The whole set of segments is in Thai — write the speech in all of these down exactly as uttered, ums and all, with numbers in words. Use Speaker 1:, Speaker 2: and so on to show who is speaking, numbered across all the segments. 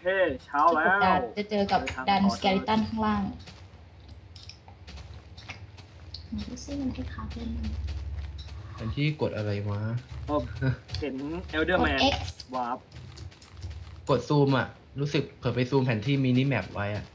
Speaker 1: เช้าแล้
Speaker 2: จุดกดดาว นจะเจอกับดันสเกลิตันข้างล่างดูซิมันให้คาเป็น
Speaker 3: อันที่กดอะไรวะ
Speaker 1: เห็นเอลเดอร์แมนวาร์ป
Speaker 3: กดซูมอ่ะรู้สึกเผื่อไปซูมแผนที่มินิแมปไว้อ่ะ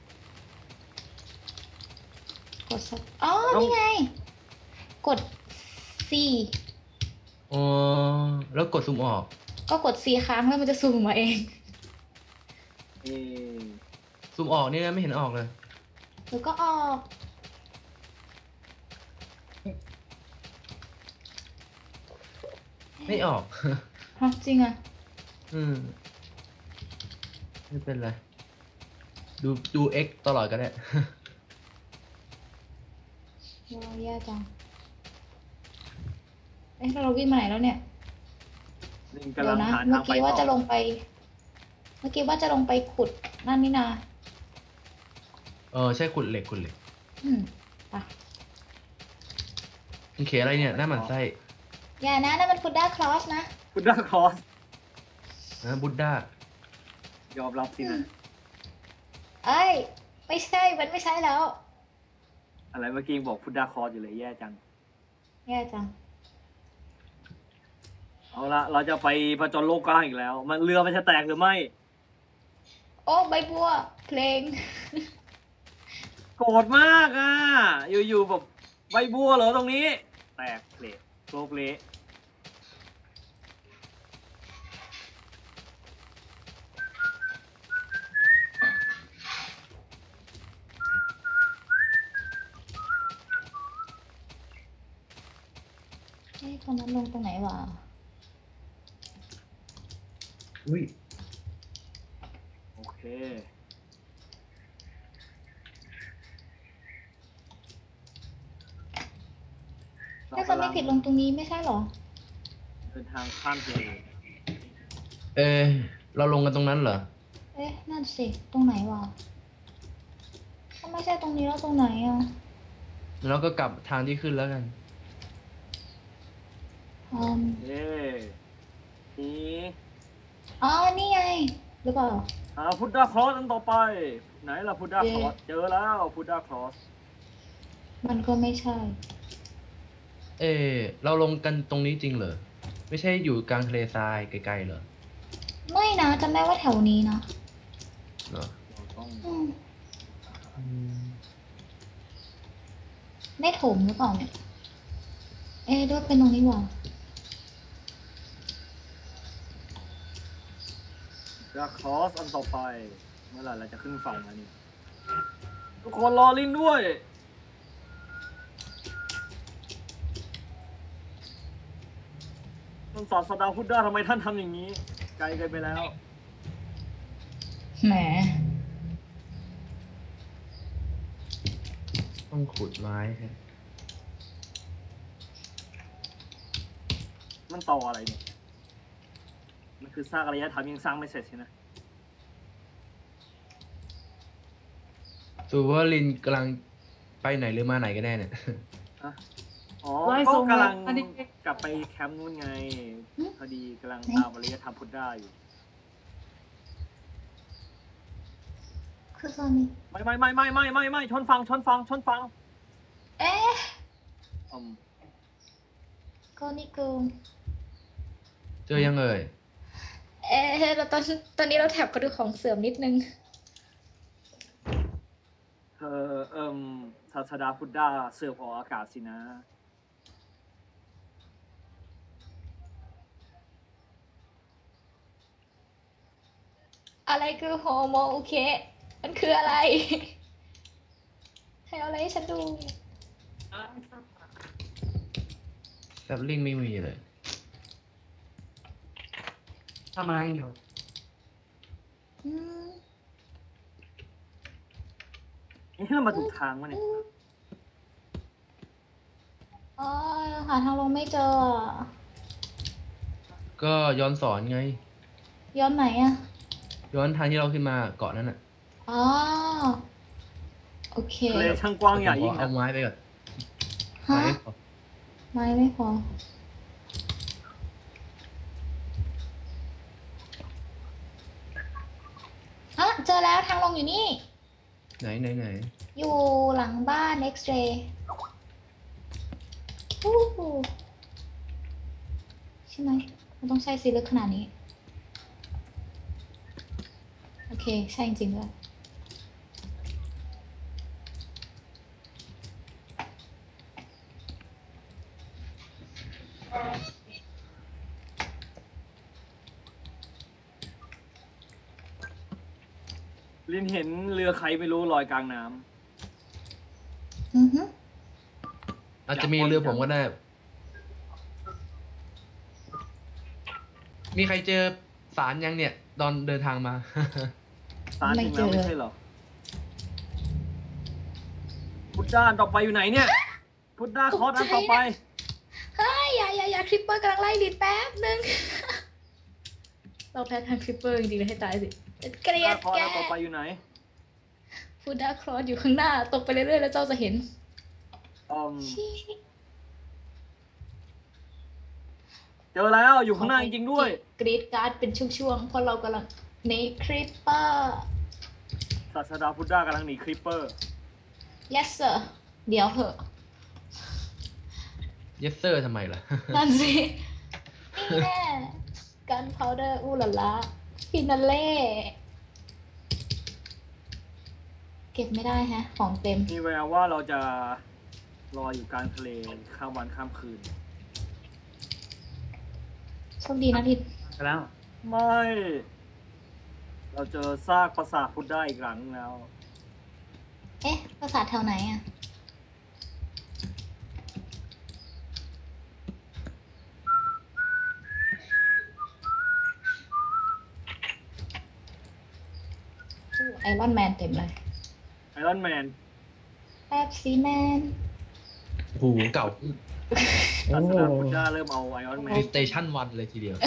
Speaker 2: กดสักอ๋อนี่ไงกด C
Speaker 3: อ๋อแล้วกดซูมออก
Speaker 2: ก็กด C ค้างแล้วมันจะซูมมาเอง
Speaker 1: เอ
Speaker 3: ซูมออกนี่นะไม่เห็นออกเลย
Speaker 2: หรือก็ออก
Speaker 3: ไม่ออก
Speaker 2: ฮะจริงอ่ะ
Speaker 3: อืมไม่เป็นไรดูดู X ตลอดก็ได้
Speaker 2: เราแย่จังเอ๊ะเราวิ่งมาไหนแล้วเนี่ยเดี๋ยวนะเมื่อกี้ว่าจะลงไปเมื่อกี้ว่าจะลงไปขุดนั่นนี่นา
Speaker 3: เออใช่ขุดเหล็กขุดเหล็ก
Speaker 2: อืมไป
Speaker 3: มันเขียนอะไรเนี่ยหน้าหมันไส้
Speaker 2: อย่านะนั่นมันพุดด้าคลอสนะ
Speaker 1: พุดด้าคลอส
Speaker 3: นะบุดด้
Speaker 1: ายอมรับสินะ
Speaker 2: เอ้ยไม่ใช่มันไม่ใช่แล้ว
Speaker 1: อะไรเมื่อกี้บอกพุดด้าคลอสอยู่เลยแย่จัง
Speaker 2: แย่จัง
Speaker 1: เอาละเราจะไปผจญโลกกว้างอีกแล้วมันเรือมันจะแตกหรือไม่
Speaker 2: โอ้ใบบัวเพลง
Speaker 1: โกรธมากอ่ะอยู่ๆแบบใบบัวเหรอตรงนี้แตกเพลทโลกเละ
Speaker 2: เอ๊ะตอนนั้นลงตรงไหนวะ
Speaker 3: อุ้ย
Speaker 1: โอเค
Speaker 2: ถ้าคนไม่ผิดลงตรงนี้ไม่ใช่หรอ
Speaker 1: เดินทางข้ามทะเล
Speaker 3: เออเราลงกันตรงนั้นเหรอ
Speaker 2: เอ๊ะนั่นสิตรงไหนวะถ้าไม่ใช่ตรงนี้แล้วตรงไหนอ่ะ
Speaker 3: เราก็กลับทางที่ขึ้นแล้วกัน
Speaker 2: อืม
Speaker 1: เย้นี่
Speaker 2: อ๋อนี่ไงหรือเปล่า
Speaker 1: หาพุดด้าคลอสอันต่อไปไหนล่ะพุดด้าคลอสเจอแล้วพุดด้าคลอส
Speaker 2: มันก็ไม่ใช่
Speaker 3: เออเราลงกันตรงนี้จริงเหรอไม่ใช่อยู่กลางทะเลทรายไกลๆเหรอ
Speaker 2: ไม่นะจำได้ว่าแถวนี้นะ
Speaker 3: เหรอ
Speaker 2: ไม่ถมหรือเปล่าเนี่ยเอ๊ะด้วยเป็นตรงนี้ว่ะ
Speaker 1: พุดด้าคลอสอันต่อไปเมื่อไหร่เราจะขึ้นฝั่งแล้วนี่ทุกคนรอลินด้วยท่านศาสดาพุดด้าทำไมท่านทำอย่างนี้ไกลเกินไปแล้ว
Speaker 2: แหม
Speaker 3: ต้องขุดไม้ฮะ
Speaker 1: มันต่ออะไรเนี่ยมันคือสร้างอารยธรรมยังสร้างไม่เสร็จใช่ไหม
Speaker 3: สูว่าลินกำลังไปไหนหรือมาไหนกันแน่เนี่ย
Speaker 1: อ๋อก็กำลังกลับไปแคมป์นู้นไงพอดีกำลังตามอารยธรรมพุทธะอยู่
Speaker 2: คือตอนนี้
Speaker 1: ไม่ไม่ไม่ไม่ไม่ไม่ไม่ชนฟังชนฟังชนฟัง
Speaker 2: เอ๊ะ
Speaker 1: อืม
Speaker 2: ก็นี่กู
Speaker 3: เจอยังเอ่ย
Speaker 2: เอ๊ะเราตอนตอนนี้เราแถบกระดูกของเสื่อมนิดนึง
Speaker 1: เออเอิ่มศาสดาพุทธะเสื่อมออกอากาศสินะ
Speaker 2: อะไรคือโฮโมโอเคมันคืออะไรให้เอาอะไรให้ฉันดู
Speaker 3: แต่ลิงไม่มีเลย
Speaker 1: ทำไมอยู่นี่เรามาถูกทางวะเนี่ย
Speaker 2: อ๋อหาทางลงไม่เจอ
Speaker 3: ก็ย้อนสอนไง
Speaker 2: ย้อนไหนอะ
Speaker 3: ย้อนทางที่เราขึ้นมาเกาะนั้นอ่ะ
Speaker 2: อ๋อโอเค
Speaker 1: ทะเลช่างกว้างใหญ่ยิ่ง
Speaker 3: เอาไม้ไปก่อน
Speaker 2: ฮะไม้ไม่พออ้าเจอแล้วทางลงอยู่นี่
Speaker 3: ไหนไหนไหน
Speaker 2: อยู่หลังบ้าน X-ray อู้หูใช่ไหมมันต้องใช้สีลึกขนาดนี้ โอเค ใช่จริงๆด้วย
Speaker 1: ลินเห็นเรือใครไม่รู้ลอยกลางน้
Speaker 2: อือฮึ
Speaker 3: อาจจะมีเรือผมก็ได้ มีใครเจอสารยังเนี่ย ตอนเดินทางมา
Speaker 1: ำตาถึงแล้วไม่ใช่เหรอพุทธด้านต่อไปอยู่ไหนเนี่ย พุทธด้าคอร์สอันต่อไป
Speaker 2: เฮ้ยอย่าอย่าอย่าคริปเปอร์กำลังไล่ลิดแป๊บนึง เราแพ้ทางคริปเปอร์จริงๆเลยให้ตายสิเกลียด
Speaker 1: คอร์ส
Speaker 2: แก
Speaker 1: อันต่อไปอยู่ไหน
Speaker 2: ฟูดาครอสอยู่ข้างหน้า ตกไปเรื่อยๆแล้วเจ้าจะเห็น
Speaker 1: อืม
Speaker 2: ชี้
Speaker 1: เจอแล้วอยู่ข้างหน้าจริงๆด้วย
Speaker 2: กรีดการ์ดเป็นช่วงๆเพราะเรากำลังในคริปเปอร์
Speaker 1: ศาสดาพุทธด้ากำลังหนีคริปเปอร์
Speaker 2: yes sir เดี๋ยวเหอะ
Speaker 3: เยสเซอร์ทำไมล่ะ
Speaker 2: นั่นสินี่แน่กันพาวเดอร์อู้หลาละฟินาเล่เก็บไม่ได้ฮะ ของเต็ม
Speaker 1: มีแววว่าเราจะรออยู่กลางทะเลข้ามวันข้ามคืน
Speaker 2: โชคดีนะทิด
Speaker 3: ไปแล้ว
Speaker 1: ไม่ เราเจอซากปราสาทพุทธด้าอีกหลังแล้ว
Speaker 2: เอ๊ะภาษาทแถวไหนอ่ะ ไอรอนแมนเต็มเลย
Speaker 1: ไอรอนแมน
Speaker 2: แป๊บซีแมน
Speaker 3: หูเก่า
Speaker 1: ศาสดาพุทธด้าเริ่มเอาไอรอนแมน
Speaker 3: สเตชันวันเลยทีเดียว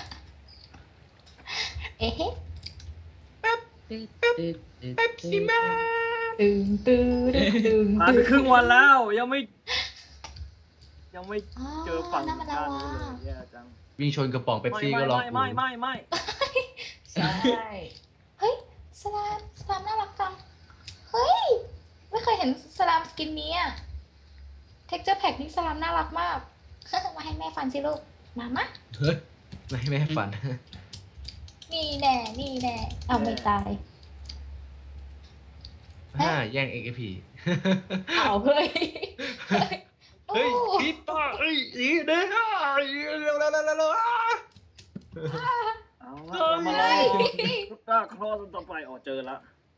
Speaker 2: เอ๊ะ
Speaker 3: เป๊ปซี่แมน
Speaker 2: ตึงตึงตึง
Speaker 1: ผ่านไปครึ่งวันแล้ว ยังไม่ ยังไม่เจอฝั่ง
Speaker 2: น้ำมัน
Speaker 1: ด้าน
Speaker 2: ลา
Speaker 1: นู้น
Speaker 2: วา
Speaker 1: เลยแย่จัง
Speaker 3: วิ่งชนกระป๋องเป๊ป
Speaker 1: ไม่
Speaker 3: ซี่
Speaker 1: ไม่
Speaker 3: ก็ร้อง
Speaker 1: ไม่ไม่ไม่ไม่
Speaker 2: ใช่ เฮ้ย สลาม สลามน่ารักจัง เฮ้ย ไม่เคยเห็นสลามสกินนี้อ่ะ เท็กเจอร์แพ็กนี่สลามน่ารักมาก มาให้แม่ฟันสิลูก มามะ
Speaker 3: เฮ้ยไม่ให้แม่ฝัน
Speaker 2: นี่แน่ นี่แน่ เอาไม่ตาย
Speaker 3: ห้าแย่ง เอ็ก พี
Speaker 2: เอาเฮ้ย
Speaker 3: เฮ้ยคิดป่ะเอ้ยอีเด้อเร็วเร็วเร็วเร็ว
Speaker 1: เอาละเรามาลองพุทธด้าครอสต่อไปอ๋อเจอละ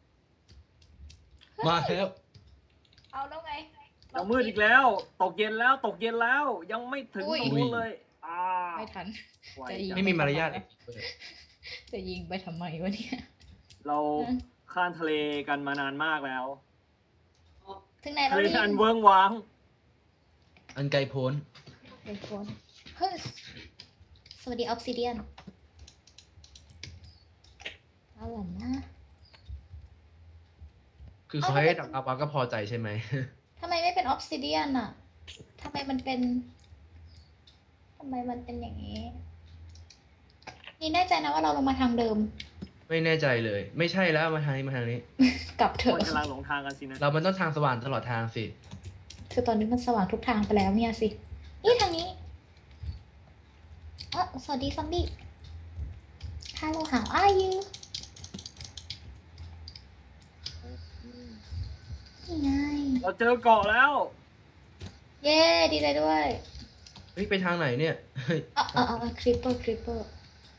Speaker 3: มาแล้ว
Speaker 2: เอาแล้วไง
Speaker 1: จะมืดอีกแล้ว ตกเย็นแล้วตกเย็นแล้ว ยังไม่ถึง
Speaker 2: อุ้ย
Speaker 1: ตรงนู้นเลยอ่า
Speaker 2: ไม่ทัน
Speaker 1: ไว
Speaker 2: จะยิง
Speaker 1: จัง
Speaker 3: ไม่มีมารยาท
Speaker 2: จะยิงไปทำไมวะเนี่ย
Speaker 1: เราข้ามทะเลกันมานานมากแล้ว
Speaker 2: ถึงไหน
Speaker 1: ทะ
Speaker 2: แล้ว
Speaker 1: เล
Speaker 2: นี่
Speaker 1: อันเวิ้งว้าง
Speaker 3: อันไกลโพ้น
Speaker 2: เฮ้ยคนเฮ้ยสวัสดีออฟซิเดียนเอาล่ะนะ
Speaker 3: คือเขาให้ดักเอาปาก็พอใจใช่ไหม
Speaker 2: ทำไมไม่เป็นออฟซิเดียนอะทำไมมันเป็นทำไมมันเป็นอย่างนี้ นี่แน่ใจนะว่าเราลงมาทางเดิม
Speaker 3: ไม่แน่ใจเลย ไม่ใช่แล้วมาทางนี้มาทางนี้
Speaker 2: กลับเถ
Speaker 1: คน
Speaker 2: อะ
Speaker 1: กำลังหลงทางกันสินะ
Speaker 3: เรามันต้องทางสว่างตลอดทางสิ
Speaker 2: คือตอนนี้มันสว่างทุกทางไปแล้วเนี่ยสิ นี่ทางนี้เออสวัสดีซอมบี้ Hello how are you นี่ไง
Speaker 1: เราเจอเกาะแล้ว
Speaker 2: เย้ดีใจด้วย
Speaker 3: เฮ้ยไปทางไหนเนี่ยเฮ้ย
Speaker 2: อ่ะอ่ะอ่ะคริปเปอร์คริปเปอร์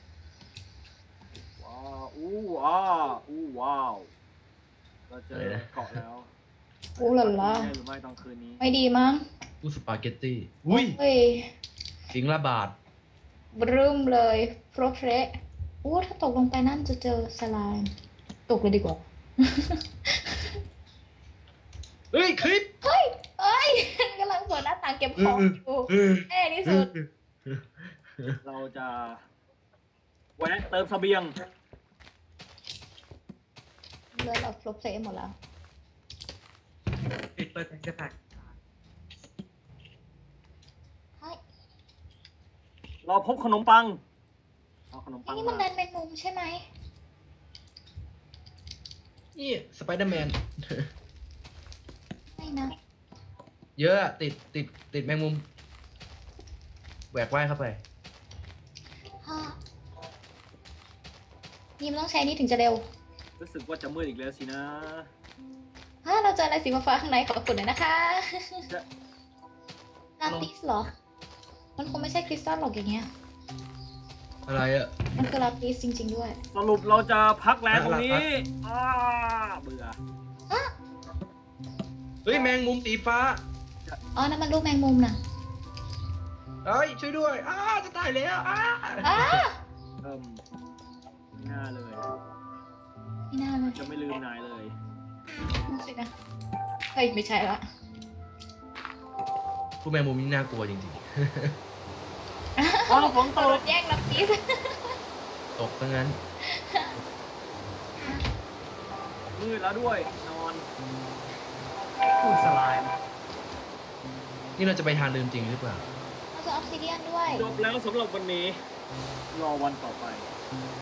Speaker 1: ว้าวอู้ว้าวอู้ว้าว เราเจอเกาะแล้ว
Speaker 2: โอ้หล่ะล่ะ
Speaker 1: ได้หรือไม่ตอนคืนนี้
Speaker 2: ไม่ดีมั้ง
Speaker 3: อู้สปาเกตตี้อุ้ย
Speaker 2: เฮ้ย
Speaker 3: สิงละบาท
Speaker 2: บรึมเลยโปรเพระโอ้ถ้าตกลงไปนั่นจะเจอสไลม์ตกเลยดีกว่า
Speaker 3: เฮ้ยคลิป
Speaker 2: เฮ้ยเอ้ย กำลังเปิดหน้าต่างเก็บของอยู่แน่ที่สุด
Speaker 1: เราจะแวะเติมเสบียง
Speaker 2: เลยเราฟลุปเซหมดแล้ว
Speaker 3: ปิดเปิดกระถาง
Speaker 2: เฮ้ย
Speaker 1: เราพบขนมปัง เอาขนมปัง
Speaker 2: นี่มัน
Speaker 1: มา
Speaker 2: ดันเป็นมุมใช่ไหม
Speaker 3: นี่สไปเดอร์แมน
Speaker 2: ไม่นะ
Speaker 3: เยอะอะติดติดติดแมงมุมแหวกว่ายเข้าไป
Speaker 2: ฮะนี่มันต้องใช้นี่ถึงจะเร็ว
Speaker 1: รู้สึกว่าจะมืดอีกแล้วสินะ
Speaker 2: ฮะเราเจออะไรสีฟ้าๆข้างในขอบคุณหน่อยนะคะ
Speaker 1: จะ
Speaker 2: ลาปิสเหรอ มันคงไม่ใช่คริสตัลหรอกอย่างเงี้ย
Speaker 3: อะไรอะ
Speaker 2: มันคือลาปิสจริง ๆ ด้วย
Speaker 1: สรุปเราจะพักแรงตรงนี้อ้าเบื่อ
Speaker 3: เฮ้ยแมงมุมสีฟ้า
Speaker 2: อ๋อ นั่นมันรูปแมงมุมน่ะ
Speaker 3: เฮ้ยช่วยด้วยอ้าจะตายแล้วอ้า
Speaker 2: อ้า
Speaker 1: เอิ่มไม่น่าเลย
Speaker 2: ไม่น่าเลย
Speaker 1: จะไม่ลืมนายเลย
Speaker 2: นั่นสินะ เฮ้ย ไม่ใช่ละ
Speaker 3: พวกแมงมุมนี่น่ากลัวจริง
Speaker 1: อ๋อฝนต
Speaker 2: ร
Speaker 1: ก
Speaker 2: ถแย่งลาปิส
Speaker 3: ๆ ตกซะงั้น
Speaker 1: มืดแล้วด้วย นอนพูดสลาย
Speaker 3: นี่เราจะไปทางเดิมจริงหรือเปล่า
Speaker 2: เราจะออฟซิเดียนด้วย
Speaker 1: จบแล้วสำหรับวันนี้ รอวันต่อไป